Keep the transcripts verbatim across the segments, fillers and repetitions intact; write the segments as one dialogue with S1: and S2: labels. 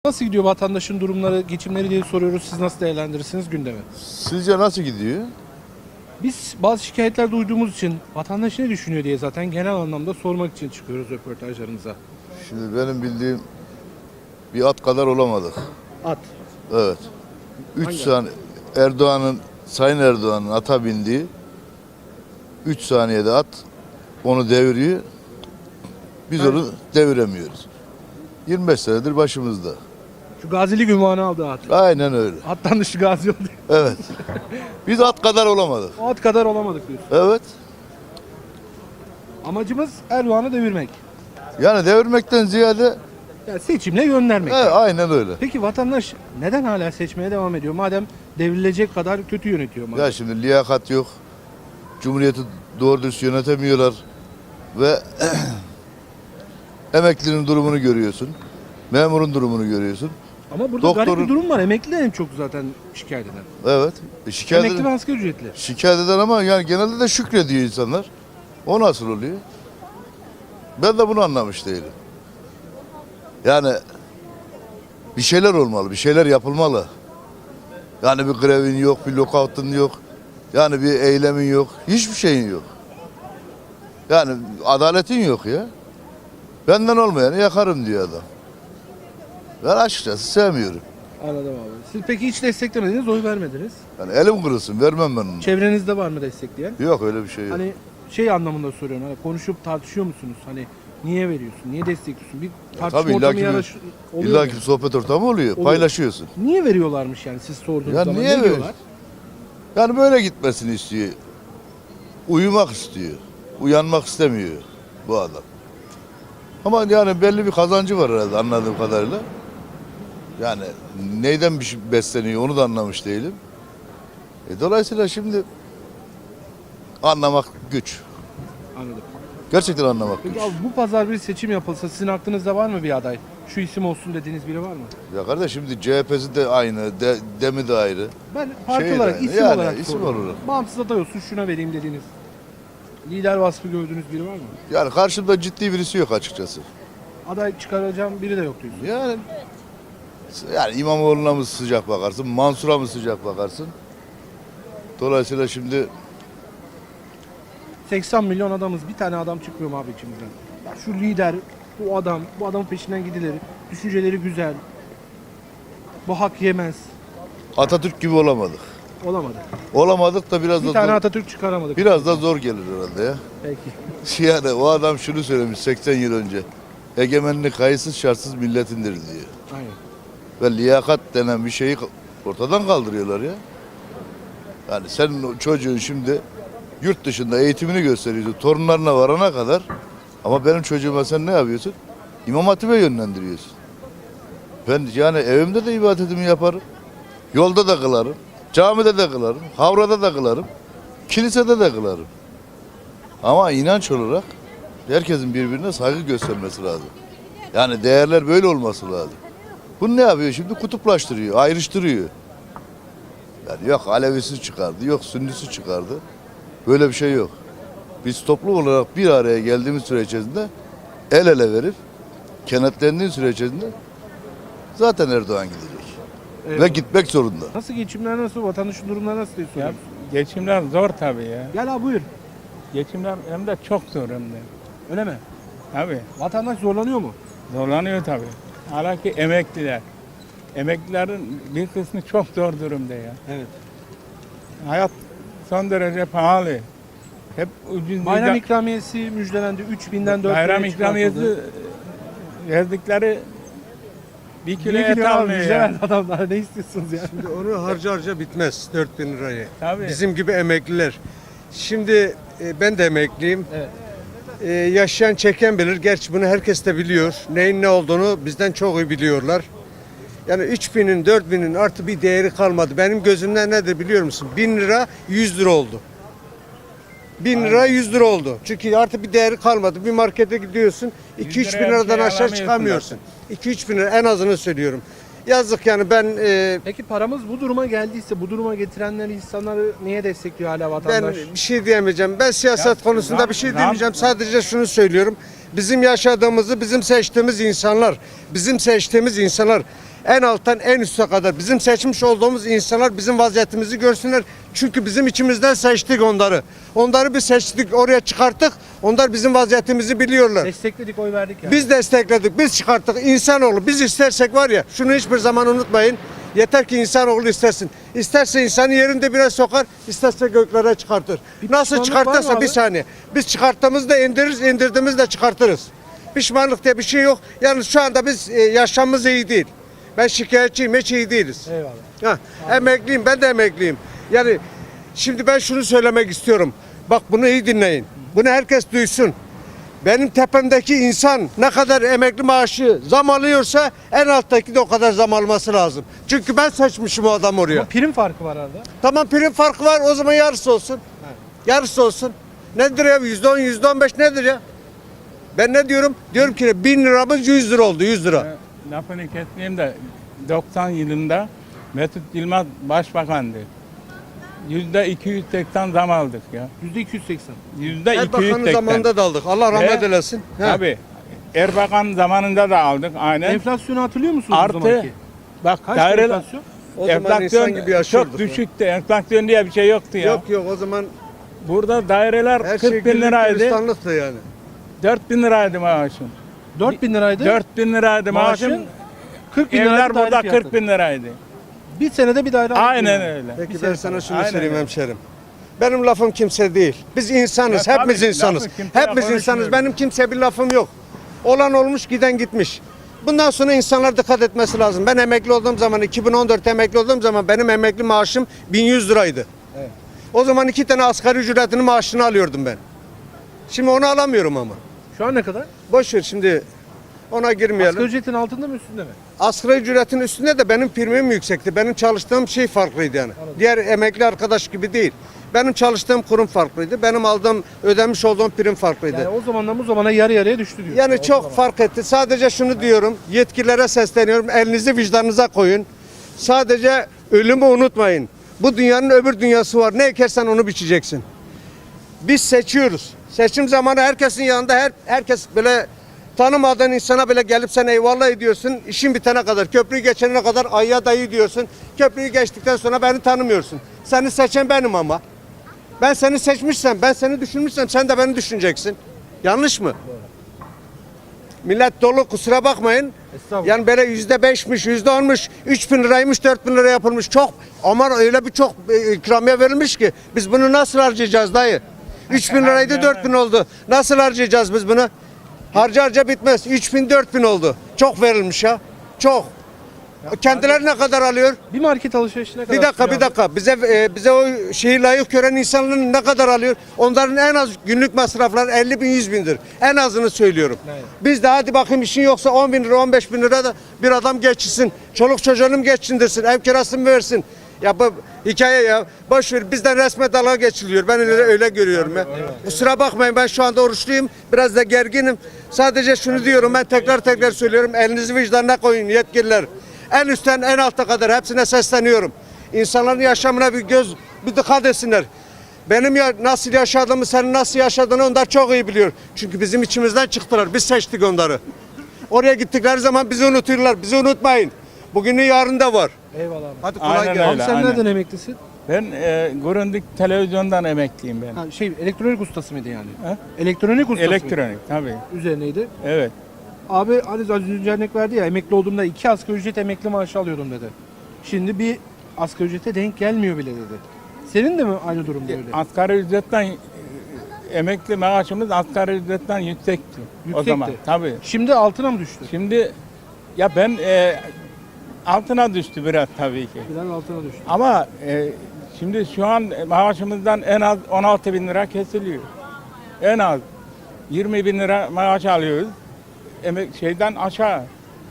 S1: Nasıl gidiyor vatandaşın durumları, geçimleri diye soruyoruz. Siz nasıl değerlendirirsiniz gündemi?
S2: Sizce nasıl gidiyor?
S1: Biz bazı şikayetler duyduğumuz için vatandaş ne düşünüyor diye zaten genel anlamda sormak için çıkıyoruz röportajlarımıza.
S2: Şimdi benim bildiğim bir at kadar olamadık.
S1: At.
S2: Evet. Üç
S1: Hangi
S2: saniye Erdoğan'ın, Sayın Erdoğan'ın ata bindiği üç saniyede at onu deviriyor. Biz
S1: Evet.
S2: onu deviremiyoruz. yirmi beş senedir başımızda.
S1: Şu gazilik ünvanı aldı at.
S2: Aynen öyle.
S1: Attan dışı gazi oldu.
S2: Evet. Biz at kadar olamadık.
S1: O at kadar olamadık diyorsun.
S2: Evet.
S1: Amacımız Erdoğan'ı devirmek.
S2: Yani devirmekten ziyade
S1: Yani seçimle göndermek.
S2: he, aynen öyle.
S1: Peki vatandaş neden hala seçmeye devam ediyor? Madem devrilecek kadar kötü yönetiyor. Madem.
S2: Ya şimdi liyakat yok. Cumhuriyeti doğru dürüst yönetemiyorlar. Ve emeklinin durumunu görüyorsun. Memurun durumunu görüyorsun.
S1: Ama burada
S2: Doktorun-
S1: garip bir durum var. Emekli en çok zaten şikayet eden.
S2: Evet. E şikayet,
S1: Emekli ve
S2: eden,
S1: asgari ücretli.
S2: şikayet eden ama yani genelde de şükrediyor insanlar. O nasıl oluyor? Ben de bunu anlamış değilim. Yani bir şeyler olmalı, bir şeyler yapılmalı. Yani bir grevin yok, bir lokautun yok. Yani bir eylemin yok, hiçbir şeyin yok. Yani adaletin yok ya. Benden olmayanı yakarım diyor adam. Ben açıkçası sevmiyorum.
S1: Anladım abi. Siz peki hiç desteklemediniz, oy vermediniz.
S2: Yani elim kırılsın, vermem ben onu.
S1: Çevrenizde var mı destekleyen?
S2: Yok öyle bir şey yok.
S1: Hani şey anlamında soruyorum. Hani konuşup tartışıyor musunuz? Hani niye veriyorsun? Niye destekliyorsun? Bir tartışma
S2: tabii,
S1: ortamı
S2: illaki bir-
S1: yaraş oluyor.
S2: İlla
S1: mu?
S2: ki bir sohbet ortamı oluyor,
S1: Oluyor.
S2: paylaşıyorsun.
S1: Niye veriyorlarmış yani siz sorduğunuz
S2: Ya
S1: zaman?
S2: niye
S1: ne
S2: ver-
S1: diyorlar?
S2: Yani böyle gitmesini istiyor. Uyumak istiyor. Uyanmak istemiyor bu adam. Ama yani belli bir kazancı var herhalde anladığım kadarıyla. Yani neyden bir şey besleniyor onu da anlamış değilim. E dolayısıyla şimdi anlamak güç.
S1: Anladım.
S2: Gerçekten anlamak güç.
S1: Peki abi bu pazar bir seçim yapılsa sizin aklınızda var mı bir aday? Şu isim olsun dediğiniz biri var mı?
S2: Ya kardeş şimdi C H P'si de aynı, de, Demi de ayrı.
S1: Ben parti
S2: Şey de
S1: olarak,
S2: aynı.
S1: isim
S2: Yani
S1: olarak
S2: isim
S1: soruyorum.
S2: olarak.
S1: Bağımsız aday olsun şuna vereyim dediğiniz. Lider vasfı gördüğünüz biri var mı?
S2: Yani karşımda ciddi birisi yok açıkçası.
S1: Aday çıkaracağım biri de yok diyorsun.
S2: Yani yani İmamoğlu'na mı sıcak bakarsın, Mansur'a mı sıcak bakarsın? Dolayısıyla şimdi
S1: seksen milyon adamız. Bir tane adam çıkmıyor mu abi içimizden? Ya şu lider, bu adam, bu adamın peşinden gidilir. Düşünceleri güzel. Bu hak yemez.
S2: Atatürk gibi olamadık.
S1: Olamadı.
S2: Olamadık da biraz
S1: Bir
S2: da
S1: tane
S2: zor,
S1: Atatürk çıkaramadık.
S2: biraz da zor gelir herhalde ya.
S1: Peki.
S2: Yani o adam şunu söylemiş seksen yıl önce. Egemenlik kayıtsız şartsız milletindir diyor.
S1: Aynen.
S2: Ve liyakat denen bir şeyi ortadan kaldırıyorlar ya. Yani senin o çocuğun şimdi yurt dışında eğitimini gösteriyorsun torunlarına varana kadar. Ama benim çocuğuma sen ne yapıyorsun? İmam Hatip'e yönlendiriyorsun. Ben yani evimde de ibadetimi yaparım. Yolda da kılarım. Camide de kılarım. Havrada da kılarım. Kilisede de kılarım. Ama inanç olarak herkesin birbirine saygı göstermesi lazım. Yani değerler böyle olması lazım. Bu ne yapıyor şimdi? Kutuplaştırıyor, ayrıştırıyor. Yani yok Alevisi çıkardı, yok Sünnisi çıkardı. Böyle bir şey yok. Biz toplum olarak bir araya geldiğimiz süre içerisinde el ele verip kenetlendiği süre içerisinde zaten Erdoğan gidecek.
S1: Eyvallah.
S2: Ve gitmek zorunda.
S1: Nasıl geçimler nasıl? Vatandaşın durumları nasıl diye
S3: Ya
S1: soruyoruz.
S3: geçimler zor tabii ya.
S1: Gel abi buyur.
S3: Geçimler hem de çok zor hem de.
S1: Öyle mi?
S3: Tabii
S1: Vatandaş zorlanıyor mu?
S3: zorlanıyor tabii. Hala ki emekliler. Emeklilerin bir kısmı çok zor durumda ya.
S1: Evet.
S3: Hayat son derece pahalı. Hep ucuz
S1: Bayram
S3: bir
S1: ikramiyesi müjdelendi. üç binden dört
S3: bayram
S1: bine
S3: ikramiyesi
S1: çıkartıldı.
S3: verdikleri bir kilo
S1: Bir
S3: et
S1: kilo abi
S3: almıyor
S1: müjde
S3: ya.
S1: verdi adamlar. Ne istiyorsunuz ya?
S4: Şimdi onu harca harca bitmez dört bin lirayı.
S3: Tabii.
S4: Bizim gibi emekliler. Şimdi e, ben de emekliyim.
S1: Evet.
S4: E, yaşayan çeken bilir. Gerçi bunu herkes de biliyor. Neyin ne olduğunu bizden çok iyi biliyorlar. Yani üç binin dört binin artı bir değeri kalmadı. Benim gözümden nedir biliyor musun? bin lira yüz lira oldu. bin lira yüz lira oldu. Çünkü artık bir değeri kalmadı. Bir markete gidiyorsun iki üç bin
S3: liraya bir
S4: liradan
S3: şey
S4: aşağı
S3: alamıyorsun
S4: çıkamıyorsun. iki üç bin lira en azını söylüyorum. Yazık yani ben e,
S1: Peki paramız bu duruma geldiyse bu duruma getirenler insanları niye destekliyor hala
S4: Ben
S1: vatandaş?
S4: bir şey diyemeyeceğim. Ben siyaset
S3: Ya,
S4: konusunda
S3: zam-
S4: bir şey
S3: zam-
S4: demeyeceğim. Sadece şunu söylüyorum. Bizim yaşadığımızı bizim seçtiğimiz insanlar, bizim seçtiğimiz insanlar En alttan en üste kadar bizim seçmiş olduğumuz insanlar bizim vaziyetimizi görsünler. Çünkü bizim içimizden seçtik onları. Onları bir seçtik, oraya çıkarttık. Onlar bizim vaziyetimizi biliyorlar.
S1: Destekledik, oy verdik yani.
S4: Biz destekledik, biz çıkarttık. İnsanoğlu biz istersek var ya, şunu hiçbir zaman unutmayın. Yeter ki insanoğlu istersin. İsterse insanı yerinde biraz sokar, isterse göklere çıkartır.
S1: Bir
S4: Nasıl
S1: pişmanlık var mı
S4: çıkartırsa
S1: abi?
S4: bir saniye. Biz çıkarttığımızda indiririz, indirdiğimizde çıkartırız. Pişmanlık diye bir şey yok. Yalnız şu anda biz e, yaşamımız iyi değil. Ben şikayetçiyim, hiç iyi değiliz.
S1: Eyvallah.
S4: Ha, emekliyim, ben de emekliyim. Yani şimdi ben şunu söylemek istiyorum. Bak bunu iyi dinleyin. Bunu herkes duysun. Benim tepemdeki insan ne kadar emekli maaşı zam alıyorsa en alttaki de o kadar zam alması lazım. Çünkü ben seçmişim o adam oraya.
S1: Ama prim farkı var arada.
S4: Tamam, prim farkı var, o zaman yarısı olsun. Yarısı olsun. Nedir ya? yüzde on, yüzde on beş nedir ya? Ben ne diyorum? Diyorum ki bin liramız yüz lira oldu, yüz lira.
S3: Ee, Lafını kesmeyeyim de doksan yılında Mesut Yılmaz başbakandı. Yüzde iki yüz seksen zam aldık ya.
S1: yüzde iki yüz seksen.
S3: Yüzde iki yüz
S4: Erbakan'ın
S3: seksen.
S4: zamanında da aldık. Allah rahmet
S3: Ve-
S4: eylesin. He.
S3: Tabii. Erbakan zamanında da aldık aynen.
S1: Enflasyonu hatırlıyor musunuz o
S3: Artı
S1: zamanki?
S3: bak
S1: Kaç
S3: daireler
S1: enflasyon?
S4: O zaman insan
S3: enflasyon
S4: gibi yaşıyorduk.
S3: çok düşüktü. Enflasyon diye bir şey yoktu ya.
S4: Yok yok, o zaman
S3: Burada daireler
S4: her şey
S3: kırk bin
S4: güllük
S3: liraydı.
S4: gülistanlıktı yani.
S3: dört bin liraydı maaşım.
S1: dört bin liraydı.
S3: dört bin liraydı maaşım.
S1: Maaşın kırk bin liraydı.
S3: Evler burada
S1: daire fiyatı.
S3: kırk bin liraydı.
S1: Bir senede bir daire aldık
S3: Aynen
S1: yani.
S3: öyle.
S4: Peki
S1: Bir
S4: ben
S1: sene
S4: sana
S1: sonra.
S4: şunu
S3: Aynen
S4: söyleyeyim
S3: öyle.
S4: hemşerim. Benim lafım kimse değil. Biz insanız,
S3: Ya
S4: hepimiz
S3: tabii,
S4: insanız.
S3: lafı kimseye
S4: Hepimiz insanız.
S3: konuşmuyorum.
S4: Benim kimseye bir lafım yok. Olan olmuş, giden gitmiş. Bundan sonra insanlar dikkat etmesi lazım. Ben emekli olduğum zaman, iki bin on dört emekli olduğum zaman benim emekli maaşım bin yüz liraydı.
S1: Evet.
S4: O zaman iki tane asgari ücretinin maaşını alıyordum ben. Şimdi onu alamıyorum ama.
S1: Şu an ne kadar?
S4: Boş ver şimdi, ona girmeyelim.
S1: Asgari ücretin altında mı üstünde mi?
S4: Asgari ücretin üstünde de benim primim yüksekti. Benim çalıştığım şey farklıydı yani. Diğer emekli arkadaş gibi değil. Benim çalıştığım kurum farklıydı. Benim aldığım, ödemiş olduğum prim farklıydı.
S1: Yani o zamandan bu zamana yarı yarıya düştü diyor.
S4: Yani çok fark etti. Sadece şunu diyorum, yetkililere sesleniyorum. Elinizi vicdanınıza koyun. Sadece ölümü unutmayın. Bu dünyanın öbür dünyası var. Ne ekersen onu biçeceksin. Biz seçiyoruz. Seçim zamanı herkesin yanında her herkes böyle tanımadığın insana bile gelip sen eyvallah ediyorsun. İşin bitene kadar, köprüyü geçene kadar ayya dayı diyorsun. Köprüyü geçtikten sonra beni tanımıyorsun. Seni seçen benim ama. Ben seni seçmişsem, ben seni düşünmüşsem sen de beni düşüneceksin. Yanlış mı? Millet dolu, kusura bakmayın.
S1: Estağfurullah.
S4: Yani böyle yüzde beşmiş, yüzde onmuş, üç bin liraymış, dört bin lira yapılmış. Çok, ama öyle bir çok e, ikramiye verilmiş ki biz bunu nasıl harcayacağız dayı? üç bin liraydı, dört bin oldu. Nasıl harcayacağız biz bunu? Harca harca bitmez. üç bin, dört bin oldu. Çok verilmiş ya. Çok. Kendileri ne kadar alıyor?
S1: Bir market alışverişine kadar.
S4: Bir dakika,
S1: tutuyor
S4: bir
S1: abi.
S4: dakika. Bize e, bize o şeyi layık gören insanların ne kadar alıyor? Onların en az günlük masrafları elli bin, yüz bindir. En azını söylüyorum.
S1: Evet.
S4: Biz de hadi bakayım işin yoksa on bin lira, on beş bin lira da bir adam geçsin. Çoluk çocuğunu mu geçindirsin? Ev kirasını mı versin? Ya bu hikaye ya. Boş ver, bizden resme dalga geçiliyor. Ben öyle, öyle görüyorum ya. Kusura bakmayın, ben şu anda oruçluyum. Biraz da gerginim. Sadece şunu diyorum, ben tekrar tekrar söylüyorum. Elinizi vicdanına koyun yetkililer. En üstten en alta kadar hepsine sesleniyorum. İnsanların yaşamına bir göz, bir dikkat etsinler. Benim ya nasıl yaşadığımı, senin nasıl yaşadığını onlar çok iyi biliyor. Çünkü bizim içimizden çıktılar. Biz seçtik onları. Oraya gittikleri zaman bizi unutuyorlar. Bizi unutmayın. Bugünün yarın da var.
S1: Eyvallah abi.
S4: Hadi kolay
S3: Aynen
S4: gelsin.
S3: öyle.
S1: Abi sen
S3: aynen.
S1: nereden emeklisin?
S3: Ben e, Grundig televizyondan emekliyim ben.
S1: Ha, şey elektronik ustası mıydı yani?
S3: Ha?
S1: Elektronik ustası mıydı?
S3: Elektronik tabii.
S1: Üzerineydi.
S3: Evet.
S1: Abi hani az önce örnek verdi ya, emekli olduğumda iki asgari ücret emekli maaşı alıyordum dedi. Şimdi bir asgari ücrete denk gelmiyor bile dedi. Senin de mi aynı durumda öyle?
S3: Asgari ücretten e, emekli maaşımız asgari ücretten yüksekti. O
S1: Yüksekti.
S3: zaman tabii.
S1: Şimdi altına mı düştü?
S3: Şimdi ya ben e, altına düştü biraz tabii ki.
S1: Biraz altına düştü.
S3: Ama e, şimdi şu an maaşımızdan en az on altı bin lira kesiliyor. En az yirmi bin lira maaş alıyoruz. Emek şeyden aşağı.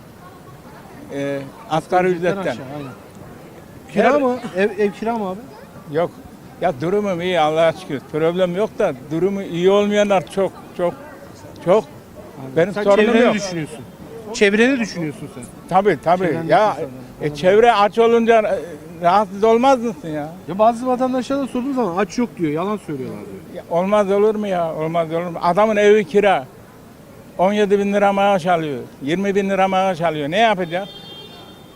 S3: E, asgari ücretten.
S1: Aşağı, aynen. Kira
S3: Her-
S1: mı? Ev, ev kira mı abi?
S3: Yok. Ya durumum iyi Allah'a şükür. Problem yok da durumu iyi olmayanlar çok çok çok. Benim
S1: Sen
S3: sorunum
S1: çevreni
S3: yok.
S1: düşünüyorsun. Çevreni düşünüyorsun sen.
S3: Tabii tabii.
S1: Çevrendeki
S3: Ya
S1: insanlar.
S3: e, çevre aç olunca e, rahatsız olmaz mısın ya?
S1: Ya bazı vatandaşlara da sorduğum zaman aç yok diyor, yalan söylüyorlar diyor.
S3: Ya olmaz olur mu ya? Olmaz olur mu? Adamın evi kira. on yedi bin lira maaş alıyor. yirmi bin lira maaş alıyor. Ne yapacak?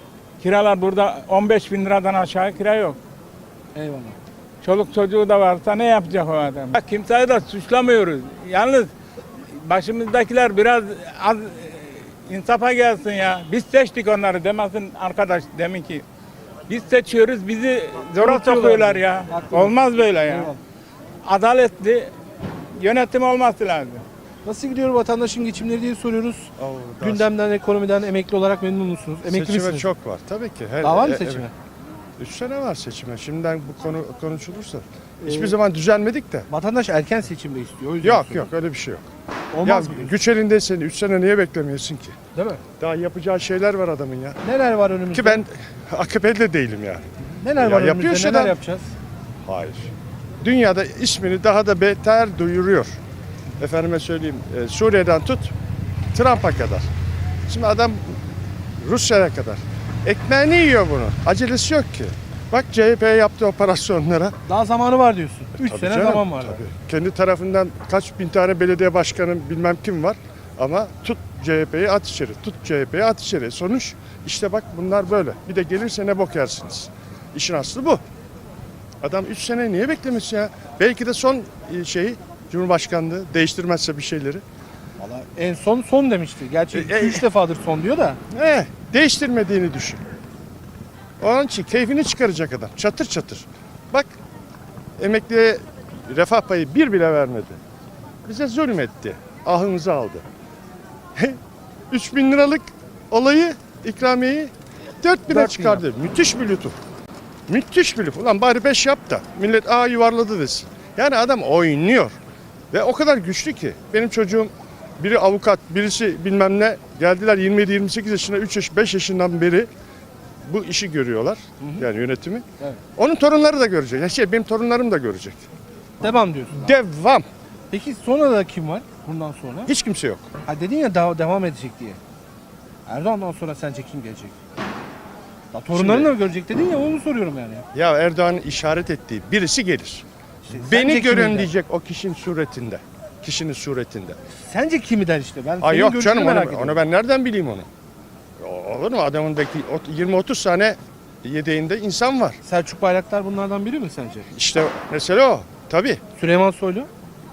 S3: Kiralar burada on beş bin liradan aşağı kira yok.
S1: Eyvallah.
S3: Çoluk çocuğu da varsa ne yapacak o adam? Bak, kimseyi de suçlamıyoruz. Yalnız başımızdakiler biraz az e, insafa gelsin ya. Biz seçtik onları demesin arkadaş demin ki. Biz seçiyoruz, bizi zora
S1: Unutuyorlar.
S3: sokuyorlar ya.
S1: Haklı.
S3: Olmaz böyle ya.
S1: Eyvallah.
S3: Adaletli yönetim olması lazım.
S1: Nasıl gidiyor vatandaşın geçimleri diye soruyoruz.
S5: Oo,
S1: Gündemden, ekonomiden emekli olarak memnun musunuz? Emekli
S5: seçime
S1: misiniz?
S5: çok var tabii ki. Her,
S1: Daha var mı
S5: e-
S1: seçime?
S5: Üç sene var seçime. Şimdiden bu konu konuşulursa. Hiçbir
S1: Ee,
S5: zaman düzelmedik de.
S1: Vatandaş erken seçimde istiyor. O yüzden
S5: Yok
S1: soruyorum.
S5: yok öyle bir şey yok.
S1: Olmaz
S5: ya
S1: mı diyorsun?
S5: güç elindeysen üç sene niye beklemiyorsun ki?
S1: Değil mi?
S5: Daha yapacağı şeyler var adamın ya.
S1: Neler var önümüzde?
S5: Ki ben A K P'li de değilim yani.
S1: Neler
S5: Ya
S1: var
S5: yapıyor
S1: önümüzde?
S5: şeyler.
S1: Neler yapacağız?
S5: Hayır. Dünyada ismini daha da beter duyuruyor. Efendime söyleyeyim e, Suriye'den tut Trump'a kadar. Şimdi adam Rusya'ya kadar. Ekmeğini yiyor bunu. Acelesi yok ki. Bak C H P'ye yaptığı operasyonlara.
S1: Daha zamanı var diyorsun. üç
S5: Tabii
S1: sene
S5: canım,
S1: zaman var.
S5: tabii. Kendi tarafından kaç bin tane belediye başkanı bilmem kim var. Ama tut C H P'yi at içeri, tut C H P'yi at içeri. Sonuç işte bak bunlar böyle. Bir de gelirse ne bok yersiniz. İşin aslı bu. Adam üç sene niye beklemiş ya? Belki de son e, şeyi Cumhurbaşkanlığı değiştirmezse bir şeyleri.
S1: Vallahi en son son demişti. Gerçi
S5: E, e,
S1: üç defadır son diyor da.
S5: He, değiştirmediğini düşün. Onun için keyfini çıkaracak adam. Çatır çatır. Bak emekliye refah payı bir bile vermedi. Bize zulmetti. Ahımızı aldı. üç bin liralık olayı, ikramiyeyi dört bine
S1: Dört bin
S5: çıkardı. Müthiş bir lütuf. Müthiş bir lütuf. Ulan bari beş yap da millet aa yuvarladı desin. Yani adam oynuyor. Ve o kadar güçlü ki. Benim çocuğum biri avukat, birisi bilmem ne. Geldiler yirmi yedi yirmi sekiz yaşına, üç yaş, beş yaşından beri bu işi görüyorlar. Yani yönetimi.
S1: Evet.
S5: Onun torunları da görecek. Ya şey, benim torunlarım da görecek.
S1: Devam diyorsun.
S5: Devam.
S1: Peki sonra da kim var bundan sonra?
S5: Hiç kimse yok.
S1: Ha dedin ya daha devam edecek diye. Erdoğan'dan sonra sence kim gelecek? Ya torunlarını da görecek dedin ya onu soruyorum yani.
S5: Ya Erdoğan'ın işaret ettiği birisi gelir.
S1: İşte
S5: Beni
S1: sence kimi
S5: görün
S1: der?
S5: diyecek o kişinin suretinde. Kişinin suretinde.
S1: Sence kimi der işte? Ben
S5: Ay
S1: senin
S5: yok
S1: görüşünü
S5: canım
S1: merak
S5: onu,
S1: ediyorum.
S5: onu ben nereden bileyim onu? Olur mu? Adamın belki yirmi otuz tane yedeğinde insan var.
S1: Selçuk Bayraktar bunlardan biri mi sence?
S5: İşte mesele o. Tabii.
S1: Süleyman Soylu?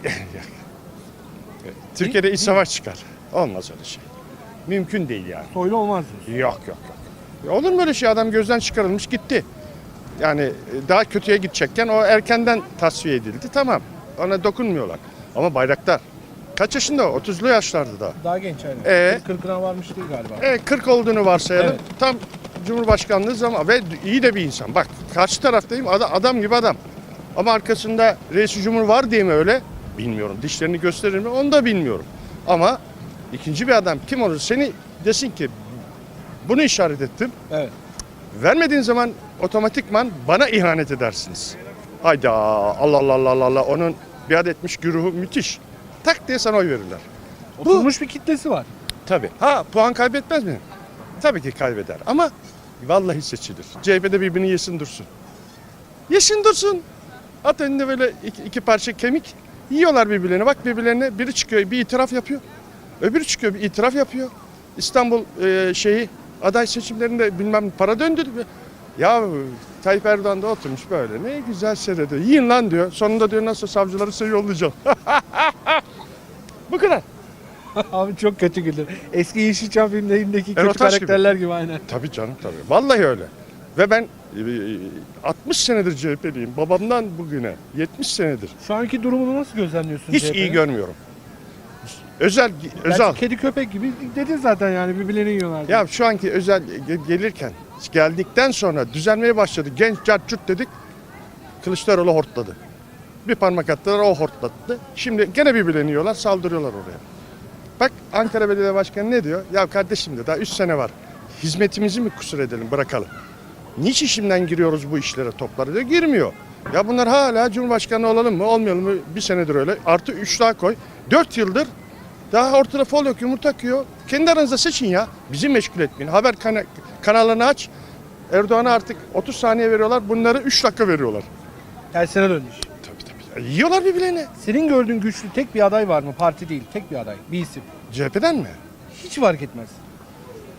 S5: Türkiye'de iç savaş çıkar. Olmaz öyle şey. Mümkün değil yani.
S1: Soylu olmaz diyorsun.
S5: Yok yok yok. Ya olur mu öyle şey? Adam gözden çıkarılmış gitti. Yani e, daha kötüye gidecekken o erkenden tasfiye edildi. Tamam. Ona dokunmuyorlar. Ama Bayraktar kaç yaşında o? otuzlu yaşlarda da.
S1: Daha genç aynen.
S5: Ee?
S1: kırkına varmış değil galiba.
S5: E kırk olduğunu varsayalım.
S1: Evet.
S5: Tam Cumhurbaşkanlığı zamanı ve iyi de bir insan. Bak karşı taraftayım adam, adam gibi adam. Ama arkasında reis cumhur var diye mi öyle? Bilmiyorum. Dişlerini gösterir mi? Onu da bilmiyorum. Ama ikinci bir adam kim olur? Seni desin ki bunu işaret ettim.
S1: Evet.
S5: Vermediğin zaman otomatikman bana ihanet edersiniz. Hayda Allah Allah Allah Allah Allah onun biat etmiş güruhu müthiş. Tak diye sana oy verirler.
S1: Oturmuş bir kitlesi var.
S5: Tabii. Ha puan kaybetmez mi? Tabii ki kaybeder ama vallahi seçilir. C H P'de birbirini yesin dursun. Yesin dursun. At önünde böyle iki, iki parça kemik yiyorlar birbirlerine. Bak birbirlerine biri çıkıyor bir itiraf yapıyor. Öbürü çıkıyor bir itiraf yapıyor. İstanbul e, şeyi aday seçimlerinde bilmem para döndü. Ya Tayyip Erdoğan da oturmuş böyle ne güzel seyrediyor. Yiyin lan diyor. Sonunda diyor nasıl savcıları size yollayacağım. Bu kadar.
S1: Abi çok kötü güldür. Eski Yeşilçam filmlerindeki kötü
S5: Erotaş gibi.
S1: karakterler gibi aynen.
S5: Tabii canım tabii. Vallahi öyle. Ve ben e, altmış senedir C H P'liyim. Babamdan bugüne yetmiş senedir.
S1: Şu anki durumunu nasıl gözlemliyorsun?
S5: Hiç
S1: C H P'nin?
S5: iyi görmüyorum. Özel
S1: Gerçi
S5: özel.
S1: kedi köpek gibi dedin zaten yani birbirlerini yiyorlar.
S5: Ya şu anki özel ge- gelirken geldikten sonra düzelmeye başladı. Genç cart curt dedik. Kılıçdaroğlu hortladı. Bir parmak attılar o hortlattı. Şimdi gene birbirlerini yiyorlar saldırıyorlar oraya. Bak Ankara Belediye Başkanı ne diyor? Ya kardeşim de daha üç sene var. Hizmetimizi mi kusur edelim bırakalım. Niçin şimdiden giriyoruz bu işlere toplara diyor. Girmiyor. Ya bunlar hala Cumhurbaşkanı olalım mı olmayalım mı bir senedir öyle. Artı üç daha koy. Dört yıldır daha ortada fol yok yumurta akıyor. Kendi aranızda seçin ya. Bizi meşgul etmeyin. Haber kana- kanallarını aç. Erdoğan'a artık otuz saniye veriyorlar. Bunları üç dakika veriyorlar.
S1: Tersine döndü iş.
S5: Tabii tabii. Ya, yiyorlar birbirlerini.
S1: Senin gördüğün güçlü tek bir aday var mı? Parti değil, tek bir aday, bir isim.
S5: C H P'den mi?
S1: Hiç fark etmez.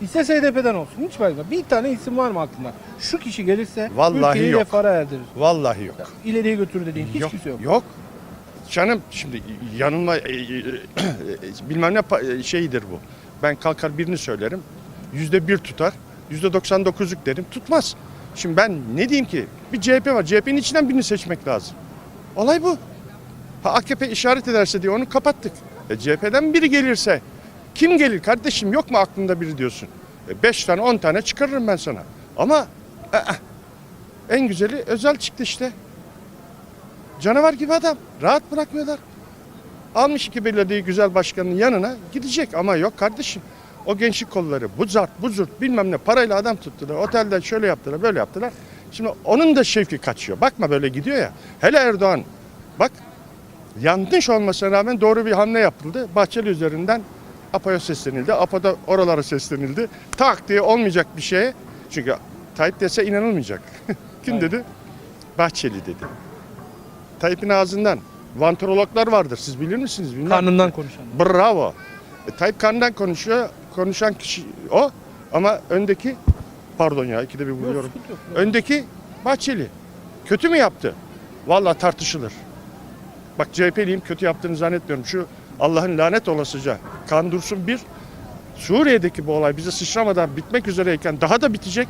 S1: İstese H D P'den olsun. Hiç fark etmez. Bir tane isim var mı aklında? Şu kişi gelirse
S5: Vallahi
S1: ülkeyi
S5: yok.
S1: refah'a erdirir.
S5: Vallahi yok.
S1: İleriye götürür dediğin hiç
S5: yok,
S1: kimse yok.
S5: Yok. Canım şimdi yanılma e, e, e, bilmem ne pa- e, şeyidir bu. Ben kalkar birini söylerim. Yüzde bir tutar. Yüzde doksan dokuzluk derim. Tutmaz. Şimdi ben ne diyeyim ki? Bir C H P var. C H P'nin içinden birini seçmek lazım. Olay bu. Ha, A K P işaret ederse diye onu kapattık. E, C H P'den biri gelirse kim gelir kardeşim, yok mu aklında biri diyorsun. E, beş tane on tane çıkarırım ben sana. Ama e, e, en güzeli Özal çıktı işte. Canavar gibi adam. Rahat bırakmıyorlar. Almış iki belediye güzel başkanının yanına gidecek ama yok kardeşim. O gençlik kolları bu zart bu zurt bilmem ne parayla adam tuttular. Otelde şöyle yaptılar böyle yaptılar. Şimdi onun da şevki kaçıyor. Bakma böyle gidiyor ya. Hele Erdoğan bak yanlış olmasına rağmen doğru bir hamle yapıldı. Bahçeli üzerinden APO'ya seslenildi. APO'da oralara seslenildi. Tak diye olmayacak bir şeye. Çünkü Tayyip dese inanılmayacak. Kim
S1: Aynen.
S5: dedi? Bahçeli dedi. Tayyip'in ağzından vantrologlar vardır. Siz bilir misiniz? Bilmem.
S1: Karnından konuşan.
S5: Bravo. E, Tayyip karnından konuşuyor. Konuşan kişi o. Ama öndeki pardon ya ikide bir buluyorum.
S1: sıkıntı yok.
S5: Öndeki Bahçeli. Kötü mü yaptı? Vallahi tartışılır. Bak C H P'liyim, kötü yaptığını zannetmiyorum. Şu Allah'ın lanet olasıca kan dursun bir. Suriye'deki bu olay bize sıçramadan bitmek üzereyken daha da bitecek.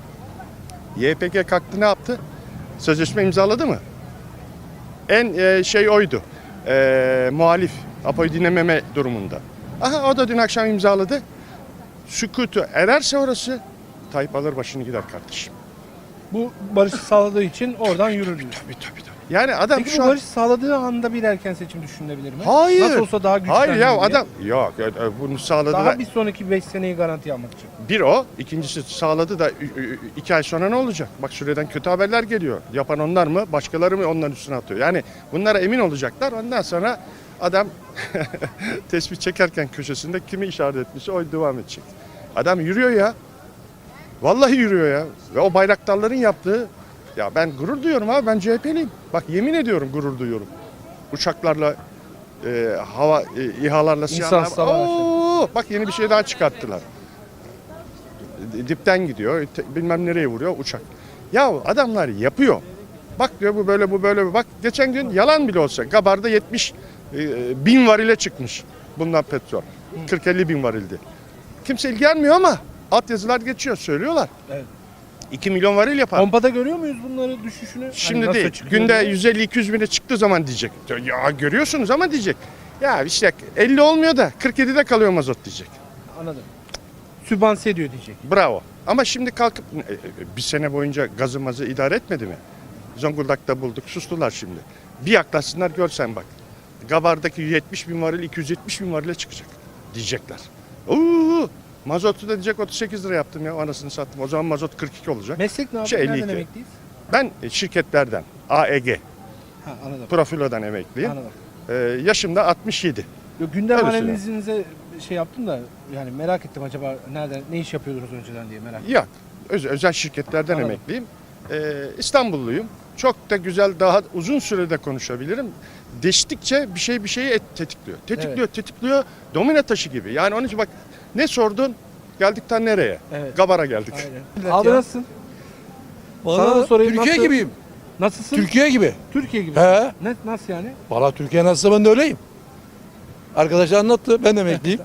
S5: Y P G kalktı ne yaptı? Sözleşme imzaladı mı? En e, şey oydu. E, muhalif. APO'yu dinlememe durumunda. Aha o da dün akşam imzaladı. Sükutu ererse orası Tayyip alır başını gider kardeşim.
S1: Bu barışı sağladığı için oradan yürür diyor.
S5: Tabii tabii tabii. Yani adam
S1: Peki
S5: şu
S1: bu
S5: an...
S1: barışı sağladığı anda bir erken seçim düşünülebilir mi?
S5: Hayır.
S1: Nasıl olsa daha güçlenir
S5: Hayır ya
S1: diye.
S5: adam... Yok e, bunu sağladı
S1: Daha
S5: da...
S1: bir sonraki beş seneyi garanti almak için.
S5: Bir o. İkincisi sağladı da ü- ü- iki ay sonra ne olacak? Bak Suriye'den kötü haberler geliyor. Yapan onlar mı? Başkaları mı onların üstüne atıyor? Yani bunlara emin olacaklar. Ondan sonra adam tespih çekerken köşesinde kimi işaret etmişse o devam edecek. Adam yürüyor ya. Vallahi yürüyor ya. Ve o bayraktarların yaptığı... Ya ben gurur duyuyorum abi. Ben C H P'liyim. Bak yemin ediyorum gurur duyuyorum. Uçaklarla, e, hava e, İHA'larla,
S1: İnsansız
S5: SİHA'larla...
S1: hava araçları.
S5: Oo, bak yeni bir şey daha çıkarttılar. Dipten gidiyor, te- bilmem nereye vuruyor uçak. Ya adamlar yapıyor. Bak diyor bu böyle bu böyle. Bak geçen gün yalan bile olsa Gabar'da yetmiş e, bin varile çıkmış bundan petrol. kırk elli bin varildi. Kimse ilgilenmiyor ama altyazılar geçiyor söylüyorlar.
S1: Evet.
S5: iki milyon varil yapar.
S1: Pompada görüyor muyuz bunları düşüşünü?
S5: Şimdi
S1: Hani nasıl
S5: değil.
S1: çıkıyor
S5: Günde
S1: diye?
S5: yüz elli iki yüz bine çıktığı zaman diyecek. Ya görüyorsunuz ama diyecek. Ya işte elli olmuyor da kırk yedide kalıyor mazot diyecek.
S1: Anladım. Sübvanse ediyor diyecek.
S5: Bravo. Ama şimdi kalkıp e, e, bir sene boyunca gazı mazı idare etmedi mi? Zonguldak'ta bulduk. Sustular şimdi. Bir yaklaşsınlar görsen bak. Gabar'daki yetmiş bin varil iki yüz yetmiş bin varile çıkacak diyecekler. Oo, mazotu da diyecek otuz sekiz lira yaptım ya anasını sattım. O zaman mazot kırk iki olacak.
S1: Meslek ne
S5: Şey,
S1: yapıyor?
S5: elli
S1: Nereden
S5: iki.
S1: emekliyiz?
S5: Ben e, şirketlerden A E G
S1: Ha anladım.
S5: Profilo'dan emekliyim.
S1: Anladım.
S5: Ee, yaşım da altmış yedi.
S1: Yok, gündem
S5: Öyle
S1: analizinize şey yaptım da yani merak ettim acaba nereden ne iş yapıyordunuz önceden diye merak ettim.
S5: Yok. Öz- özel şirketlerden
S1: Anladım.
S5: emekliyim. Ee, İstanbulluyum. Çok da güzel, daha uzun sürede konuşabilirim. Değiştikçe bir şey bir şeyi et, tetikliyor. Tetikliyor, tetikliyor. Domino taşı gibi. Yani onun için bak ne sordun? Geldikten nereye?
S1: Evet.
S5: Gabar'a geldik.
S1: Aynen. Abi nasılsın? Sana da
S6: Valla
S1: sorayım,
S6: Türkiye
S1: nasıl-
S6: gibiyim.
S1: Nasılsın?
S6: Türkiye gibi.
S1: Türkiye gibi.
S6: He.
S1: Ne, nasıl yani?
S6: Valla Türkiye nasılsa ben de öyleyim. Arkadaşlar anlattı. Ben de emekliyim.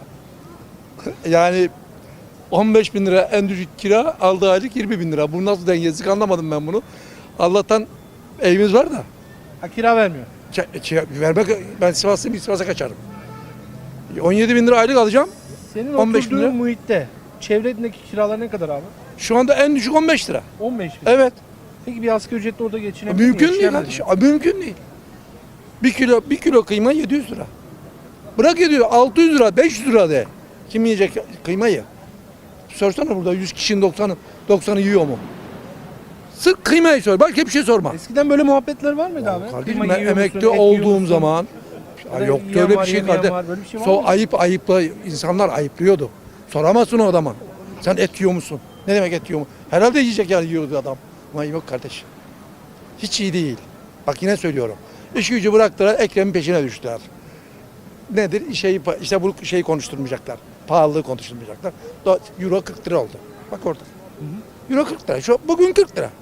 S6: Yani on beş bin lira en düşük kira, aldığı aylık yirmi bin lira. Bu nasıl dengesizlik anlamadım ben bunu. Allah'tan evimiz var da.
S1: Ha, kira vermiyor.
S6: Ç- ç- vermek, ben Sivaslıyım, Sivas'a kaçarım. on yedi bin lira aylık alacağım.
S1: Senin
S6: on beş bin
S1: oturduğun
S6: lira.
S1: muhitte çevredeki kiralar ne kadar abi?
S6: Şu anda en düşük on beş lira.
S1: on beş bin.
S6: Evet.
S1: Peki bir asgari ücretle orada geçinebilir mi?
S6: Mümkün değil
S1: Yaşayamaz
S6: kardeşim.
S1: mı?
S6: Abi Mümkün değil. Bir kilo bir kilo kıyma yedi yüz lira. Bırak yedi yüz, altı yüz lira, beş yüz lira de. Kim yiyecek kıymayı? Sorsana burada yüz kişinin doksanı doksanı yiyor mu? Sırf kıymayı sor. Başka bir şey sorma.
S1: Eskiden böyle muhabbetler var mıydı abi?
S6: Kardeşim
S1: Kıyma
S6: ben
S1: yiyor musun,
S6: emekli
S1: et yiyor
S6: olduğum
S1: musun?
S6: zaman
S1: Ya
S6: ya
S1: da
S6: yoktu
S1: yiyen
S6: öyle
S1: var,
S6: bir şey
S1: yemeyen
S6: kardeşim.
S1: var, böyle bir şey var
S6: So
S1: mı?
S6: ayıp ayıpla insanlar ayıplıyordu. Soramazsın o adama. Sen et yiyor musun? Ne demek et yiyor mu? Herhalde yiyecek yani yiyordu adam. Ama yok kardeş. Hiç iyi değil. Bak yine söylüyorum. İş gücü bıraktılar, Ekrem'in peşine düştüler. Nedir? Şey, işte bu şeyi konuşturmayacaklar. pahalılığı konuşulmayacaklar. Do- Euro kırk lira oldu. Bak orada. Euro kırk lira. Şu bugün kırk lira.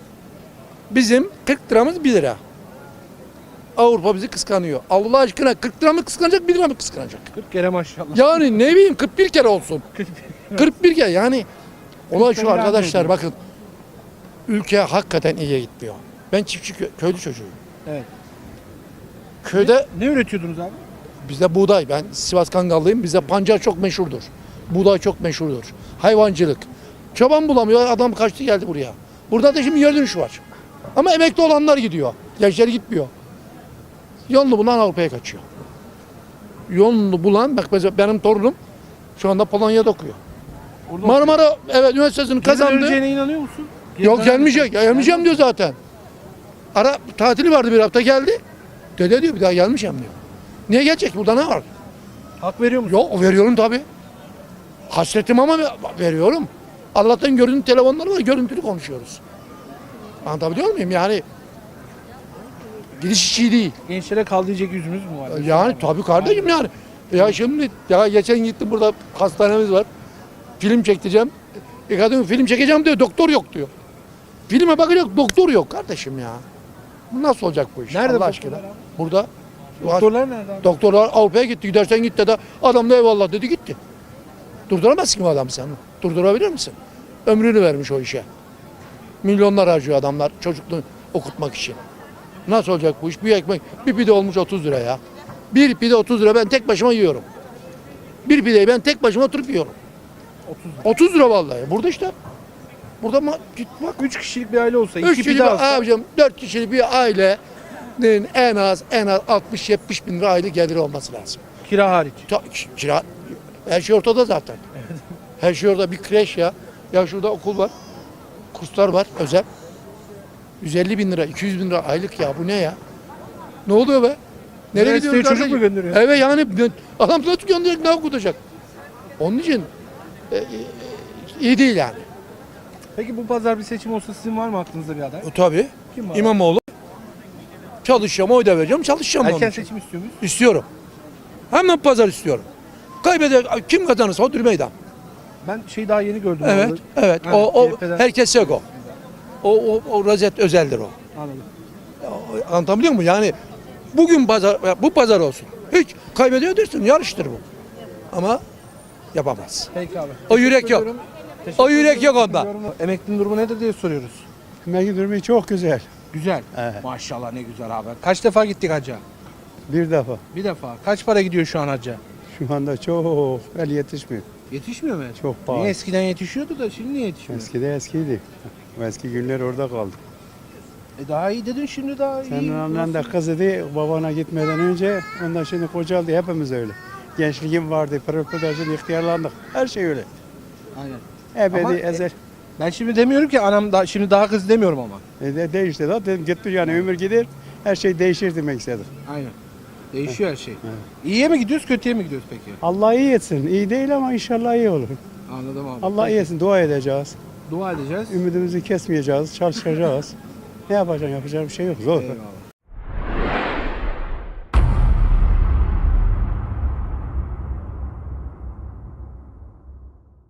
S6: Bizim kırk liramız bir lira. Avrupa bizi kıskanıyor. Allah aşkına kırk lira mı kıskanacak, bir lira mı kıskanacak?
S1: kırk kere maşallah.
S6: Yani ne bileyim kırk bir kere olsun. kırk bir kere yani. Olay şu
S1: Kırk lira
S6: arkadaşlar
S1: ediyor.
S6: bakın. Ülke hakikaten iyiye gitmiyor. Ben çiftçi kö- köylü çocuğuyum.
S1: Evet.
S6: Köyde
S1: Ne üretiyordunuz abi?
S6: bizde buğday. Ben Sivas Kangallıyım. Bizde pancar çok meşhurdur. Buğday çok meşhurdur. Hayvancılık. Çoban bulamıyor. Adam kaçtı geldi buraya. Burada da şimdi yer dönüşü var. Ama emekli olanlar gidiyor. Gençler gitmiyor. Yolunu bulan Avrupa'ya kaçıyor. Yolunu bulan, bak mesela benim torunum şu anda Polonya'da okuyor.
S1: Orada
S6: Marmara evet üniversitesini
S1: Geri
S6: kazandı.
S1: döneceğine inanıyor musun? Geri
S6: Yok
S1: döner
S6: gelmeyecek.
S1: misin?
S6: Ya, gelmeyeceğim diyor zaten. Ara tatili vardı bir hafta geldi. Dede diyor bir daha gelmeyeceğim diyor. Niye gelecek? Burada ne var?
S1: Hak veriyor musun?
S6: Yok veriyorum tabii. Hasretim ama veriyorum. Allah'tan görüntü telefonları var, görüntülü konuşuyoruz. Anlatabiliyor muyum? Yani gidiş işi değil.
S1: Gençlere kal diyecek yüzümüz mü var?
S6: Yani tabii kardeşim yani. Ya şimdi ya geçen gittim burada hastanemiz var. Film çekeceğim. E kadın film çekeceğim diyor, doktor yok diyor. Filme bakacak doktor yok kardeşim ya. Bu nasıl olacak bu iş?
S1: Nerede
S6: Allah aşkına?
S1: doktorlar abi?
S6: Burada.
S1: Doktorlar nerede abi?
S6: Doktorlar Avrupa'ya gitti. Gidersen git dedi. Adam da eyvallah dedi gitti. Durduramazsın ki bu adamı sen. Durdurabilir misin? Ömrünü vermiş o işe. Milyonlar harcıyor adamlar çocukluğunu okutmak için. Nasıl olacak bu iş? Bir ekmek, bir pide olmuş otuz lira ya. Bir pide otuz lira ben tek başıma yiyorum. Bir pideyi ben tek başıma oturup yiyorum.
S1: otuz.
S6: otuz lira vallahi. Burada işte. Burada ma git bak.
S1: üç kişilik bir aile olsa,
S6: Üç
S1: iki
S6: kişilik
S1: pide
S6: bir
S1: alsa.
S6: abicim dört kişilik bir ailenin en az en az altmış yetmiş bin lira aylık geliri olması lazım.
S1: Kira hariç.
S6: Ta- kira, her şey ortada zaten. Her şey orada bir kreş ya. Ya şurada okul var. Kurslar var özel. yüz elli bin lira, iki yüz bin lira aylık ya bu ne ya? Ne oluyor be? Nereye
S1: Üniversiteye
S6: gidiyoruz
S1: çocuk
S6: kardeşim?
S1: mu gönderiyor?
S6: Evet yani adam nasıl gönderecek ne okutacak? Onun için e, e, iyi değil yani.
S1: Peki bu pazar bir seçim olsa sizin var mı aklınızda bir aday?
S6: E, tabii.
S1: Kim var?
S6: İmamoğlu. Çalışacağım, oy da vereceğim, çalışacağım.
S1: Erken
S6: onun için.
S1: seçim istiyor muyuz?
S6: İstiyorum. Hemen pazar istiyorum. Kaybeder, kim kazanırsa o meydan.
S1: Ben şey daha yeni gördüm.
S6: Evet,
S1: orada.
S6: evet.
S1: Ha,
S6: O, o
S1: C H P'den.
S6: herkes yok o. O, o, o rozet özeldir o.
S1: Anladım.
S6: O- Anlatabiliyor muyum? Yani bugün pazar, bu pazar olsun. Hiç kaybediyor dersin, yarıştır bu. Ama yapamaz.
S1: Peki abi.
S6: O yürek
S1: Teşekkür
S6: yok.
S1: ediyorum. Teşekkür
S6: O yürek
S1: ediyorum.
S6: yok onda.
S1: Yorumu- Emeklinin durumu nedir diye soruyoruz.
S7: Emekli durumu çok güzel.
S1: Güzel.
S7: Evet.
S1: Maşallah ne güzel abi. Kaç defa gittik hacca?
S7: Bir defa.
S1: Bir defa. Kaç para gidiyor şu an hacca?
S7: Şu anda çok el yetişmiyor.
S1: Yetişmiyor mu?
S7: Çok
S1: Niye
S7: pahalı.
S1: eskiden yetişiyordu da şimdi niye yetişmiyor?
S7: Eskide eskiydi. O eski günler orada kaldı.
S1: E daha iyi dedin şimdi daha iyi.
S7: Senin annen de kız idi babana gitmeden önce. Ondan şimdi kocaldı. Hepimiz öyle. Gençliğim vardı. Pırıl pırıl şimdi ihtiyarlandık. Her şey öyle.
S1: Aynen.
S7: Ebedi
S1: Ama, e,
S7: ezel.
S1: Ben şimdi demiyorum ki anam da şimdi daha kız demiyorum ama.
S7: E, de, değişti da dedim, gitti yani ömür gider. Her şey değişir demek istedim.
S1: Aynen. Değişiyor her şey. İyiye mi gidiyoruz, kötüye mi gidiyoruz peki?
S7: Allah iyi etsin. İyi değil ama inşallah iyi olur.
S1: Anladım abi.
S7: Allah iyi etsin. Dua edeceğiz.
S1: Dua edeceğiz.
S7: Ümidimizi kesmeyeceğiz. Çalışacağız. Ne yapacaksın? Yapacak bir şey yok. Zor.
S1: Eyvallah.